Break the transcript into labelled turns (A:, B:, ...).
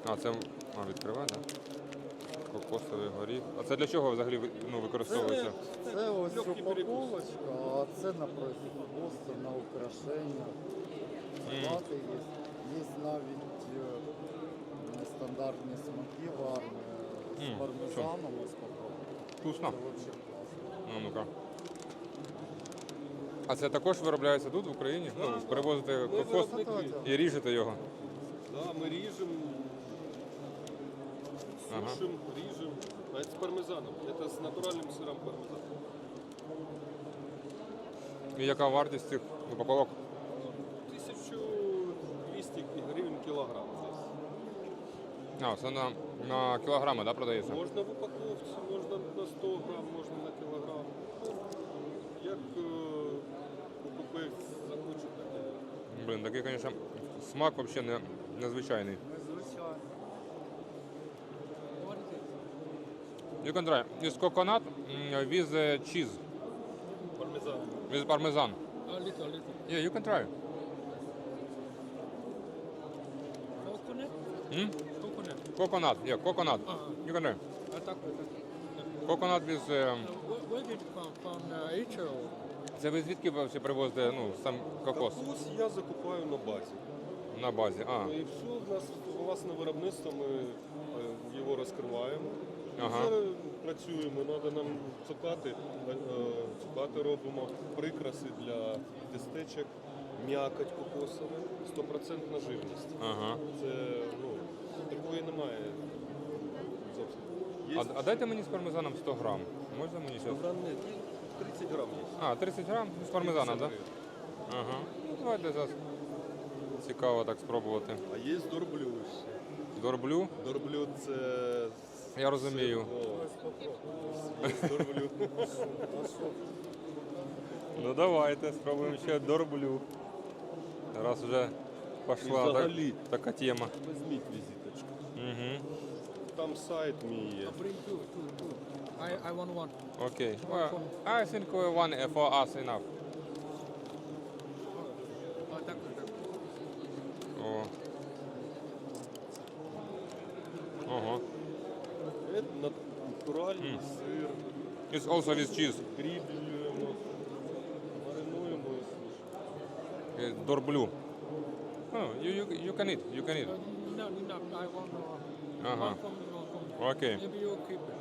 A: А, це відкриває, так? Кокосовий горіх. А це для чого взагалі використовується?
B: Це ось упаковочка, а це на производство, на украшення. Салати є. Є навіть нестандартні смаки варні з пармезаном. Ось попробуй.
A: Вкусно.
B: Це взагалі класно.
A: Ну-ка. А це також виробляється тут, в Україні?
C: Да,
A: Ну, привозите кокос
C: виробники.
A: і ріжете його?
C: Да, ми ріжемо, сушимо, ріжемо. А це з пармезаном. Це з натуральним сиром пармезан.
A: І яка вартість цих упаковок?
C: 1200 гривень кілограм здесь.
A: А, це на кілограми, да, продається?
C: Можна в упаковці, можна на 100 грам, можна на кілограм. Як покупець захоче, так і.
A: Блін, такий, звісно, смак взагалі незвичайний.
B: Незвичайно.
A: You can try. It's coconut with cheese,
C: Пармезан.
A: with parmesan.
D: A little.
A: Yeah, you can try.
D: Coconut?
A: Hmm?
D: Coconut.
A: Coconut, yeah, coconut. You can try.
D: Так.
A: Coconut with...
D: Where did it come from? Israel?
A: Це ви звідки ви всі привозите сам кокос?
C: Кокос я закупаю на базі.
A: На базі. А,
C: Ну і все, в нас власне виробництво, ми його розкриваємо.
A: Ага.
C: Зараз працюємо, треба нам цукати робимо, прикраси для тістечок, м'якоть кокосова, 100% живність.
A: ага.
C: Це, такої немає зовсім. Є
A: А дайте мені з пармезаном 100 грам. Можна мені зараз?
C: грам, ні, 30 грам є.
A: А, 30 грам з пармезаном, так? Да? Ага. Ну, давайте зараз. Цікаво так спробувати.
C: А є дорблю ще.
A: Дорблю?
C: Дорблю це...
A: Я розумію.
C: Є дорблю.
A: Ну давайте, спробуємо ще дорблю. Раз вже пішла
C: взагалі.
A: така тема.
C: Візьміть візиточку.
A: Угу.
C: Там сайт мій є.
D: Bring two. I want one.
A: Окей. Well, I think one for us enough.
D: Так.
A: О. Ого.
C: Це натуральний сир.
A: It's also with cheese.
C: Гріблюємо, маринуємо і сушимо.
A: Дорблю. Oh, you can eat. You can eat.
D: No, I want
A: Ага.
D: one from.
A: Окей.
D: Maybe you keep it.